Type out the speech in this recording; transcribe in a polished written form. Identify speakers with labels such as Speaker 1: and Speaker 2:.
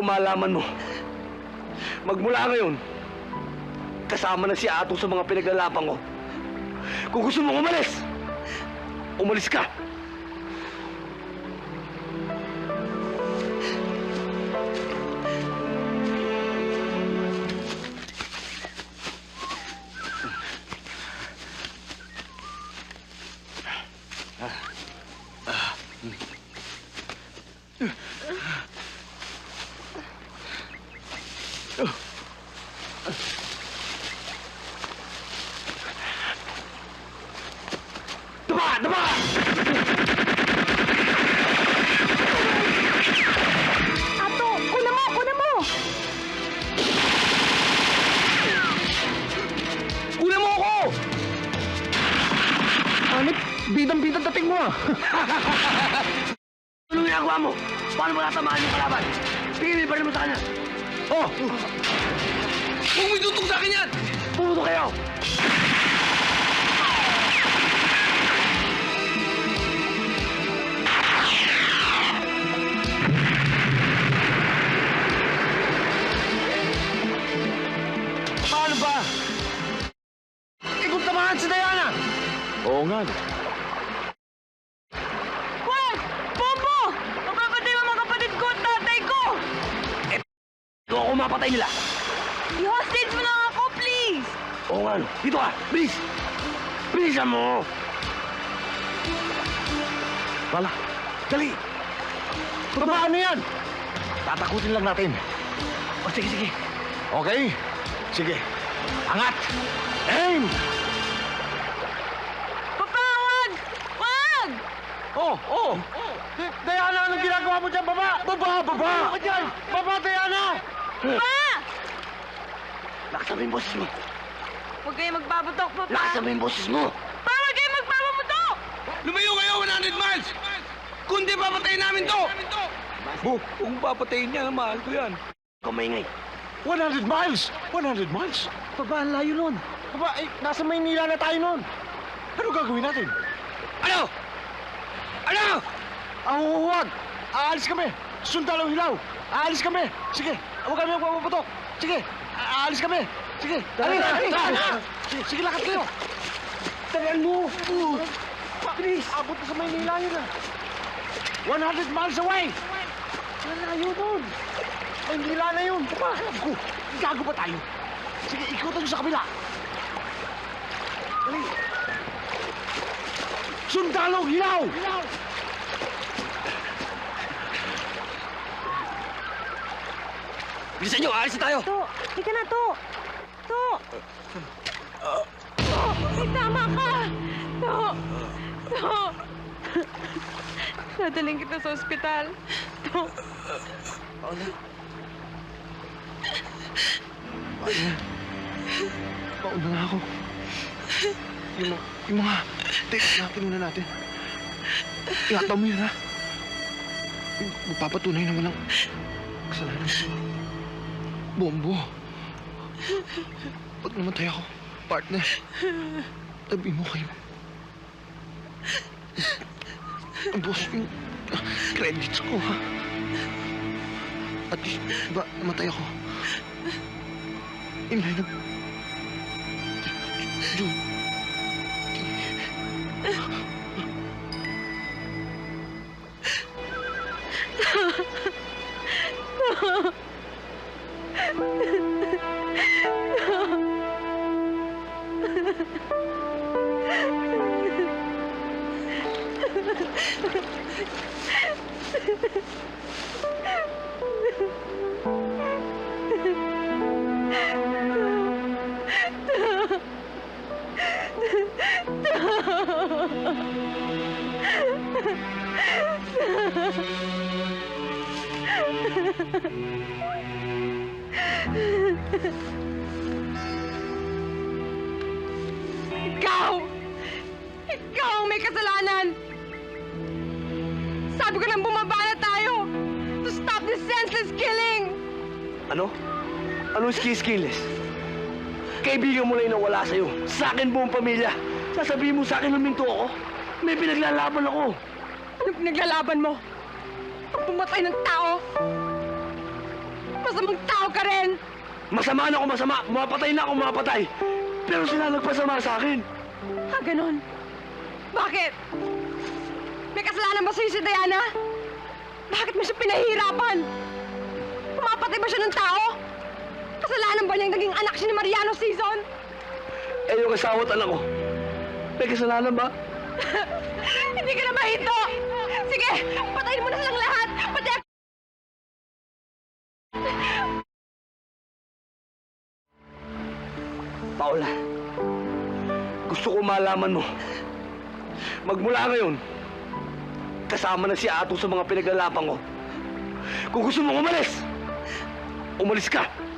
Speaker 1: kung malaman mo, magmula ngayon, kasama na si Ato sa mga pinaglalaban ko. Kung gusto mong umalis, umalis ka. Daba! Daba!
Speaker 2: Ato, kuna mo, kuna mo!
Speaker 1: Kunin mo ako!
Speaker 3: Anit, bidang-bidang dating mo ah.
Speaker 1: Ano ginagawa mo? Paano mo natamaan yung kalaban? Tingin mo mo sa kanya.
Speaker 3: Oh!
Speaker 1: Huwag mo itutok sa akin yan! Pumuto kayo!
Speaker 3: Paano ba? Ikot tamahan si Diana! Oo nga.
Speaker 2: Wag! Bobo! Mapapatay mo mga kapatid ko at tatay ko!
Speaker 1: Ito ako mapatay nila.
Speaker 2: I-hostage mo lang ako, please!
Speaker 1: Oo nga, no. Dito ka! Bilis! Bilisan mo!
Speaker 3: Wala.
Speaker 1: Dali!
Speaker 3: Paano yan? Tatakutin lang natin.
Speaker 1: O, sige, sige.
Speaker 3: Okay? Sige. Angat! Aim!
Speaker 2: Papa, wag! Wag!
Speaker 3: Oh! Diana, anong ginagawa mo dyan, baba? Baba! Ano ka dyan? Baba, Diana!
Speaker 2: Pa!
Speaker 1: Lakasan mo yung boses mo.
Speaker 2: Huwag kayo magbabatok, Papa!
Speaker 1: Lakasan mo yung boses mo.
Speaker 2: Pa, huwag kayo magbabatok!
Speaker 1: Lumayo kayo 100 miles! Kundi papatayin namin to!
Speaker 3: Bu,
Speaker 1: Kung papatayin niya, mahal ko yan. Kumaingay.
Speaker 3: 100 miles! 100 miles? Baba, ang layo nun. Baba, nasa Maynila na tayo nun. Ano gagawin natin?
Speaker 1: Ano? Ano?
Speaker 3: Huwag! Aalis kami! Sundalo hilaw! Aalis kami! Sige, huwag kami magpapaputok! Sige, aalis kami! Sige, dali! Sige, lakad kayo!
Speaker 1: Tagal mo!
Speaker 3: Please! Abot na sa Maynila yun ah! 100 miles away! Malayo nun! Maynila na yun! Gago! Gago ba tayo? Sige, ikutan nyo sa kabila! Dali! Sundalo hilaw!
Speaker 1: Bilisan nyo! Aalis na tayo!
Speaker 2: To, ika na, To! To! To! May tama ka! To! To! Dadaling kita sa ospital. To!
Speaker 3: Pauna na ako. Yung mga text na pinuna natin. Ihataw mo yun, ha? Magpapatunay na walang kasalanan si Bombo. Pag namatay ako, partner, tabi mo kayo. Boss, yung credits ko, ha? At least, ba, namatay ako. In line of June.
Speaker 2: Ikaw! Ikaw ang may kasalanan! Sabi ko lang bumaba na tayo to stop this senseless killing!
Speaker 1: Ano? Anong skills? Kaibigan mo lang yung nawala sa'yo. Sa akin buong pamilya. Sasabihin mo sa akin huminto ako. May pinaglalaban ako.
Speaker 2: Anong pinaglalaban mo? Ang pumatay ng tao? masamang tao ka rin!
Speaker 1: Masama na ako masama, mapatay na ako mapatay. Pero sila nagpasama sa akin.
Speaker 2: Ha, ganon? Bakit? May kasalanan ba sa'yo si Diana? Bakit mo siya pinahihirapan? Pumapatay ba siya ng tao? Kasalanan ba niyang naging anak siya ni Mariano Season?
Speaker 1: Eh, yung asawa at anak ko. May kasalanan ba?
Speaker 2: Hindi ka na mahito! Sige, patayin mo na silang lahat! Pati ako!
Speaker 1: Paula, gusto ko malaman mo. Magmula ngayon, kasama na si Ato sa mga pinaglalapan ko. Kung gusto mong umalis, umalis ka.